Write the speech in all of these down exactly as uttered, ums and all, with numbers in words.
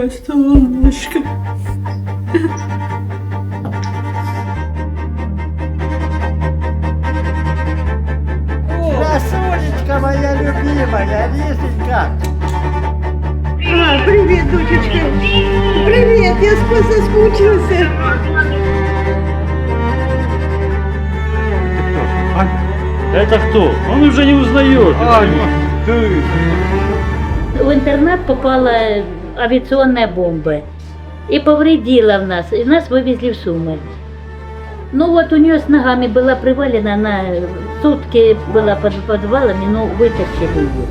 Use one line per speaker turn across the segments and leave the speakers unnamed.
моя солнышко.
Красунечка моя любимая, Лисенька.
А, привет, дочечка. Привет, я сквозь соскучился.
Это кто? Он уже не узнает.
В интернат попала авиационная бомба и повредила в нас, и нас вывезли в Сумы. Ну вот у нее с ногами была привалена, она сутки была под подвалами, но вытащили ее.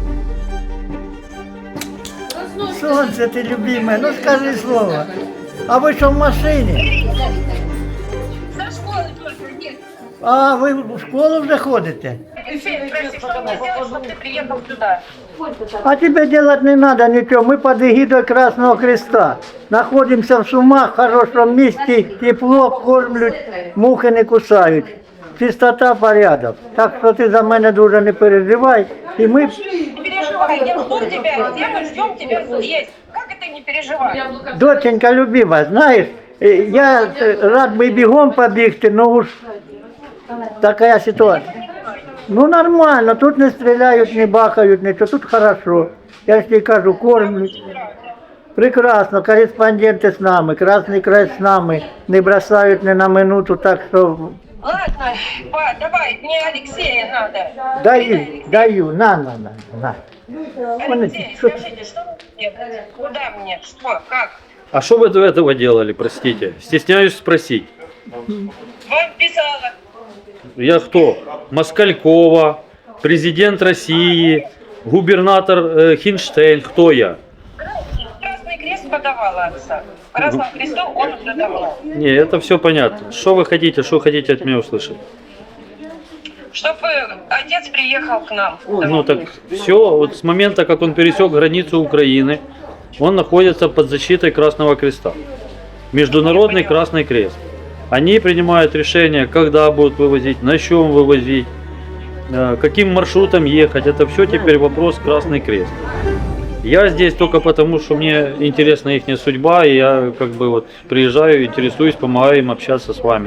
Солнце ты любимое, ну скажи слово. А вы что в машине?
Со школы только нет.
А, вы в школу уже ходите?
Алексей, прости, что мне сделать, чтобы ты приехал сюда?
А тебе делать не надо ничего, мы под эгидой Красного Креста. Находимся в Сумах, в хорошем месте, тепло, кормлють, мухи не кусають. Чистота, порядок. Так що ти за мене дуже не переживай. І ми...
Не переживай, я жду тебя, где мы ждем тебя здесь. Как это не переживай?
Доченька любима, знаєш, е, я е, рад би бігом побігти, но уж така ситуація. Ну нормально, тут не стріляють, не бахають, нічого, тут хорошо. Я ж тобі кажу, кормлють. Прекрасно, кореспонденти з нами, Красний Край з нами, не бросають ні на минуту, так що...
Ладно, па, давай, мне Алексея надо.
Даю, даю, на, на, на, на.
Алексей, скажите, что мне? Куда мне? Что? Как?
А что вы до этого делали, простите? Стесняюсь спросить.
Вам писала.
Я кто? Москалькова, президент России, губернатор э, Хинштейн. Кто я?
Красный Крест подавала отца. Красному Кресту он уже давно.
Не, это все понятно. Что вы хотите, что вы хотите от меня услышать?
Чтобы отец приехал к нам.
Ну так все, вот с момента, как он пересек границу Украины, он находится под защитой Красного Креста. Международный Красный Крест. Они принимают решение, когда будут вывозить, на чем вывозить, э, каким маршрутом ехать. Это все теперь вопрос Красный Крест. Я здесь только потому, что мне интересна их судьба, и я как бы вот приезжаю, интересуюсь, помогаю им общаться с вами.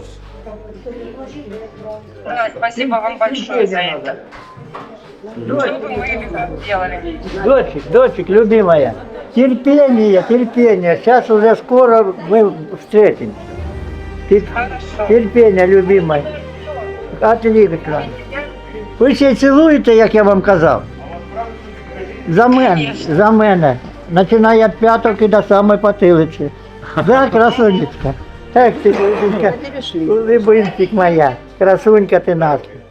Да, спасибо вам большое за это. Что бы мы делали?
Дочек, дочек, любимая, терпение, терпение, сейчас уже скоро мы встретимся. Тер-
Хорошо.
Терпение, любимая. Отлично. Ви ще й цілуєте, як я вам казав? За мене, за мене. Починає від п'яток і до самої потилиці. Да, красунечка. Эх ти, Либинчик моя, красунька ти наша.